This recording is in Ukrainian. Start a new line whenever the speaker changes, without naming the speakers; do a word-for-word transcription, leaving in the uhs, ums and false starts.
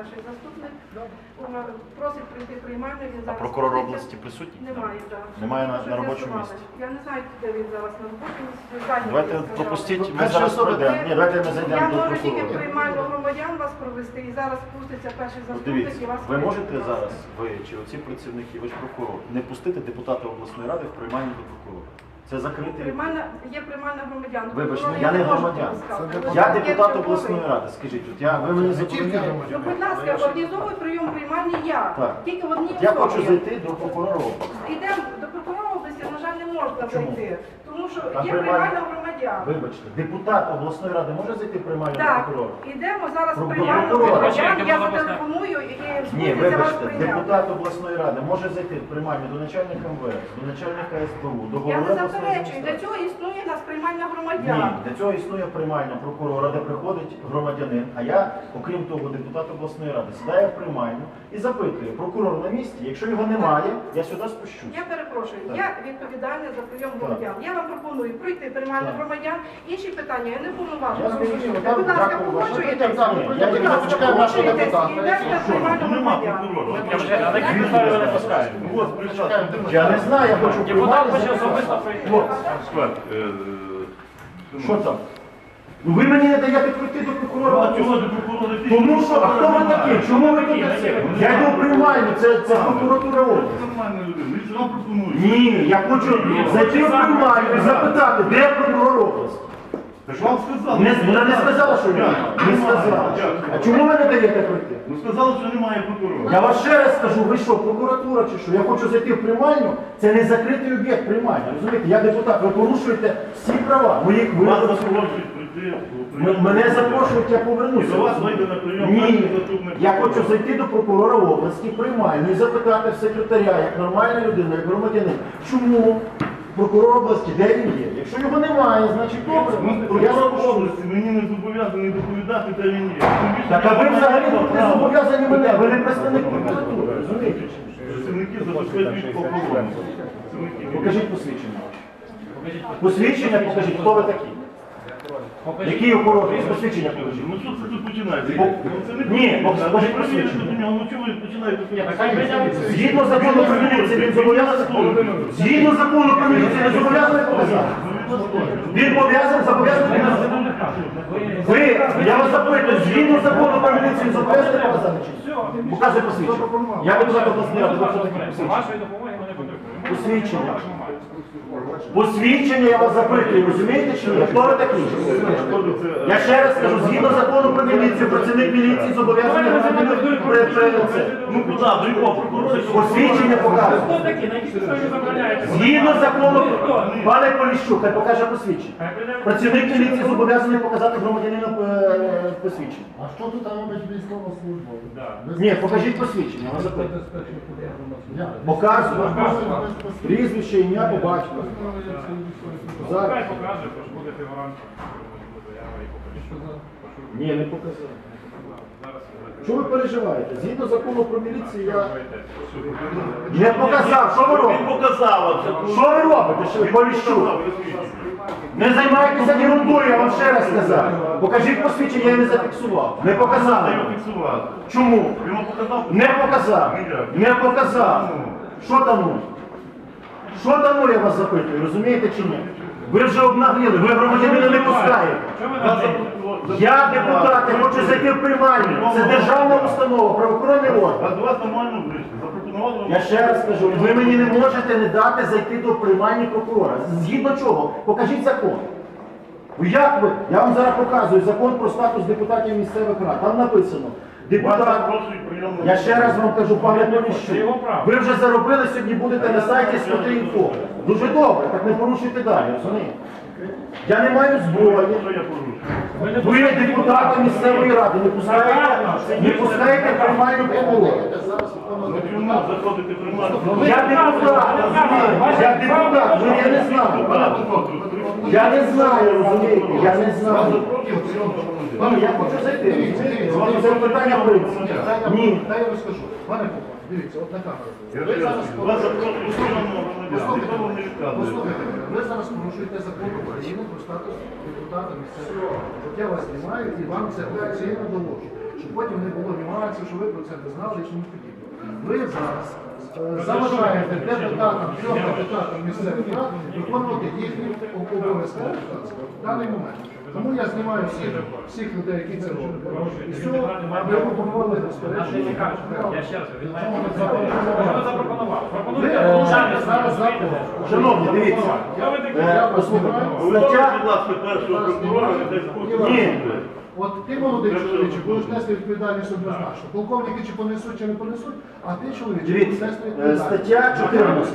перший заступник. Просить прийти приймальну. Він
А
зараз
прокурор
знаходиться.
області присутній?
Немає, так.
Немає на,
Щоб
на робочому
з'ясували.
місці.
Я не знаю, де він зараз на робочому місці. Зайнятий,
Давайте
я сказала.
пропустіть, ми
Перші
зараз
особи,
пройдемо. Ні, давайте ми
Я
зайдемо до
можу тільки
прокурора.
приймальну громадян вас провести, і зараз спуститься перший
Ну,
заступник
дивіться,
і вас
ви
прийме,
можете
будь ласка.
зараз, ви чи оці працівники, ви ж прокурор, не пустити депутата обласної ради в приймальню до прокурора? Це закритий...
Приймальна, є приймальна громадян.
Вибачте,
Прокурора
я не
не можу
громадян.
пропускати.
Це
Ви
Я
є
депутат
черговий.
обласної ради, скажіть, от я, ви мені забороняєте?
Ну, будь ласка, організовуй прийом приймальні я.
Так.
Тільки в одній
Я
особі.
хочу зайти до прокурора області.
Йдемо до прокурора області, на жаль, не можна
Чому?
зайти. Тому що
Там
є
приймальна-
приймальна громадян.
Вибачте, депутат обласної ради може зайти в приймальню до
Так,
прокурора?
йдемо зараз
Про-
приймальну
прокурора.
громадян, я зателефоную і
Ні,
спуститься вас
вибачте,
прийняти.
депутат обласної ради може зайти в приймальню до начальника ем ве ес, до начальника ес бе у, до
Я
голови
не
обласної
заперечую, для
адміністрації.
цього існує у нас приймальна
Ні,
громадян.
для цього існує приймальня прокурора, де приходить громадянин, а я, окрім того, депутат обласної ради, сідаю в приймальню і запитую, прокурор на місці, якщо його немає, я сюди спущусь.
Я перепрошую,
Так.
я відповідальна за прийом громадян. Я вам пропоную пройти приймальну
Так.
громадян. Інші питання я не
Я
повноважена.
зрозумів,
Будь
так,
ласка,
дякую,
погоджуєтесь?
ваше питання.
Будь
Я
ласка,
тільки
почекаю нашого
погоджуєтесь
депутата.
і йдете в приймальну громадян.
Я не знаю, я хочу
Депутат хоче
приймати.
особисто прийти.
Що там? Ну ви мені не даєте пройти до прокурора. Тому що, а хто ви такі? Чому ви тут? Я йду в приймальню, це, це прокуратура області. Ні, я хочу зайти в приймальню і запитати, де прокурор області.
Так вам сказали.
Не, вона не сказала, що немає. Не сказала. А чому ви не даєте пройти?
Ну сказали, що немає прокурора.
Я вас ще раз скажу, ви що, прокуратура чи що? Я хочу зайти в приймальню, це не закритий об'єкт приймальні. Розумієте, я депутат, ви порушуєте всі права. Мої, ви,
Вас запрошують прийти.
М- мене запрошують, я повернуся.
І до вас вийде на прийом
Ні,
перший заступник
я
прокурора.
хочу зайти до прокурора області, приймальну і запитати в секретаря, як нормальна людина, як громадянин, чому прокурор області, де він є? Якщо його немає, значить добре.
Ну,
Я
прокурор
запрошую.
області мені не зобов'язаний доповідати, де він є. Тим більше,
Так, а ви
я
взагалі
маю
тут не
право.
зобов'язані мене, ви не представник прокуратури, розумієте?
Працівники забезпечують охорону. Працівники.
Покажіть посвідчення. Посвідчення покажіть, хто ви такі? Які охорони? Посвідчення покажіть.
Ну що це тут починається?
Бо-
Ну, це не
Ні,
потрібно.
бо-
Ви
скажіть
перевірите
посвідчення.
до нього, ну чого ви починаєте?
Згідно закону про міліцію, він зобов'язаний Згідно закону про міліцію, він зобов'язаний показати. Він зобов'язаний, зобов'язаний показати. Ви, я вас запитую, згідно закону про міліцію, він зобов'язаний показати? чи ні? Показуй посвідчення. Я депутат обласної ради, ви що таке посвідчення?
Вашої допомоги ми не потребуємо.
Посвідчення. Посвідчення я вас запитую, розумієте чи ні? Хто ви такі? Я ще раз скажу, згідно закону про міліцію, працівник міліції зобов'язаний громадянин при- при- це.
Ну куди? До якого прокурора?
Посвідчення показує.
Хто такі? На якій підставі ви забороняєте?
Згідно закону, пане Поліщук, хай покаже посвідчення. Працівник міліції зобов'язаний показати громадянину е, посвідчення.
А що тут робить військова служба?
Ні, покажіть посвідчення, я вас запитую. Показую. Прізвище, ім'я, по батьку. Зараз.
Хай покаже, тож буде фігурантом. Заява і покажіть.
Ні, не показав.
Зараз
Що ви переживаєте? Згідно закону про міліцію я
ви
не показав. Що ви
Він
робите?
показав.
Що ви робите, що ви Поліщук? Не займайтеся ерундою, я вам ще раз сказав. Покажіть посвідчення, я не зафіксував. Не показали.
Його фіксувати.
Чому?
Йому показав?
Не показав. Не показав. Що там? ну? Що там ну, я вас запитую, розумієте чи ні? Ви вже обнагліли, ви громадянина не пускаєте. Я депутат, я хочу зайти в приймальню. Це державна установа, правоохоронний орган.
А до вас нормально вийшли. Запропонували вам.
Я ще раз кажу, ви мені не можете не дати зайти до приймальні прокурора. Згідно чого? Покажіть закон. Ну як ви? Я вам зараз показую закон про статус депутатів місцевих рад. Там написано.
Вас
Депутат.
запрошують прийомну.
Я ще раз вам кажу, пане
Це
Поліщук,
його право.
ви вже заробили, сьогодні будете на сайті Смотри.Інфо. Дуже добре, так не порушуйте далі, розумієте? Я не маю зброї.
Що я порушую?
Ви депутати місцевої ради, не пускаєте, не пускаєте приймальну прокурора.
Ну чому заходити приймати?
Я депутат, розумієте? Я депутат, ви я не знаю. Я не знаю, розумієте? Я не знаю. Ні, я хочу зайти, розумієте? Це питання принципу. Ні.
Та я розкажу. Пане Попов, дивіться, от на камеру.
Я
Ви зараз
вас запрошую прийомного громадян. Ніхто вам не
Послухайте,
відказує.
послухайте, ви зараз порушуєте закон України про статус депутата місцевого. От я вас знімаю і вам це офіційно доложу. щоб потім не було нюансів, що ви про це не знали і тому подібне. Ви зараз е, заважаєте депутатам, трьом депутатам місцевих рад виконувати їхні обов'язки в даний момент. Тому я знімаю всіх, всіх людей, які це роблять. І все, аби ви проводили безперечно.
Я ще раз, він має
Чому не
Що ви
запропонували?
запропонували?
Ви
Пропонуйте
е,
порушення
зараз
своїх
закон.
Шановні, дивіться.
Хто ви такі?
Я вас слухаю.
Стаття-
Будь ласка, першого прокурора, не дай спокій.
Ні.
От ти молодий чоловіче, будеш нести відповідальність однозначно. Полковники чи понесуть, чи не понесуть, а ти чоловіче будеш
Дивіться,
нести
е,
відповідальність.
стаття чотирнадцять.